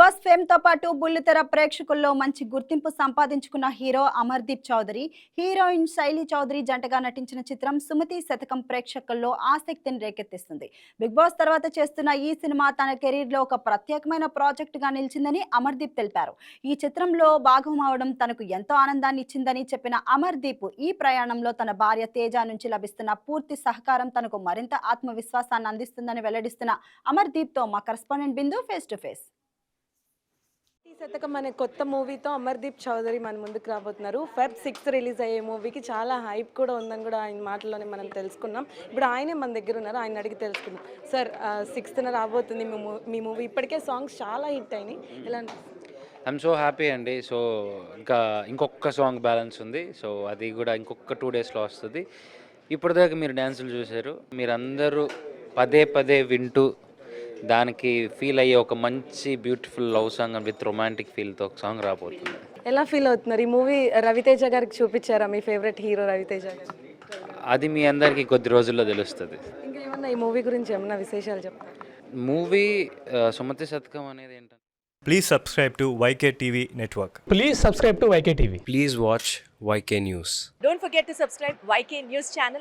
Boss fame తో పాటు బుల్లితెర ప్రేక్షకుల్లో మంచి గుర్తింపు సంపాదించుకున్న హీరో అమర్దీప్ చౌదరి, హీరోయిన్ శైలి చౌదరి జంటగా నటించిన చిత్రం సుమతి శతకం ప్రేక్షకుల్లో ఆసక్తిని రేకెత్తిస్తుంది. బిగ్ బాస్ తర్వాత చేస్తున్న ఈ సినిమా తన కెరీర్ లో ఒక ప్రత్యేకమైన ప్రాజెక్ట్ గా నిలిచిందని అమర్దీప్ తెలిపారు. ఈ చిత్రంలో భాగం అవడం తనకు ఎంతో ఆనందాన్ని ఇచ్చిందని చెప్పిన అమర్దీప్, ఈ ప్రయాణంలో తన భార్య తేజ నుంచి లభిస్తున్న పూర్తి సహకారం తనకు మరింత ఆత్మవిశ్వాసాన్ని అందిస్తుందని వెల్లడిస్తున్న అమర్దీప్ తో మా correspondent Bindu face to face. శతకం అనే కొత్త మూవీతో అమర్దీప్ చౌదరి మన ముందుకు రాబోతున్నారు. ఫెబ్ 6 రిలీజ్ అయ్యే మూవీకి చాలా హైప్ కూడా ఉందని కూడా ఆయన మాటల్లోనే మనం తెలుసుకున్నాం. ఇప్పుడు ఆయనే మన దగ్గర ఉన్నారు, ఆయన అడిగి తెలుసుకుందాం. సార్ 6th రాబోతుంది మీ మూవీ. ఇప్పటికే సాంగ్స్ చాలా హిట్ అయినాయి, ఎలా ఐఎమ్ సో హ్యాపీ అండి. సో ఇంకొక సాంగ్ బ్యాలెన్స్ ఉంది. సో అది కూడా ఇంకొక 2 డేస్లో వస్తుంది. ఇప్పటిదాకా మీరు డ్యాన్సులు చూశారు, మీరందరూ పదే పదే వింటూ దానికి ఫీల్ అయ్యే ఒక మంచి beautiful love song with romantic ఫీల్తో ఒక సాంగ్ రాబోతుంది. ఎలా ఫీల్ అవుతున్నారు? ఈ మూవీ రవితేజ గారికి చూపించారా? మీ ఫేవరెట్ హీరో రవితేజ గారు. అది మీ అందరికీ కొద్ది రోజుల్లో తెలుస్తుంది. ఇంకా ఏమన్నా ఈ మూవీ గురించి ఏమన్నా విశేషాలు చెప్తారు? మూవీ సుమతి శతకం అనేది ఏంటంటే, Please subscribe to YK TV Network. Please subscribe to YK TV. Please watch YK News. Don't forget to subscribe YK News channel.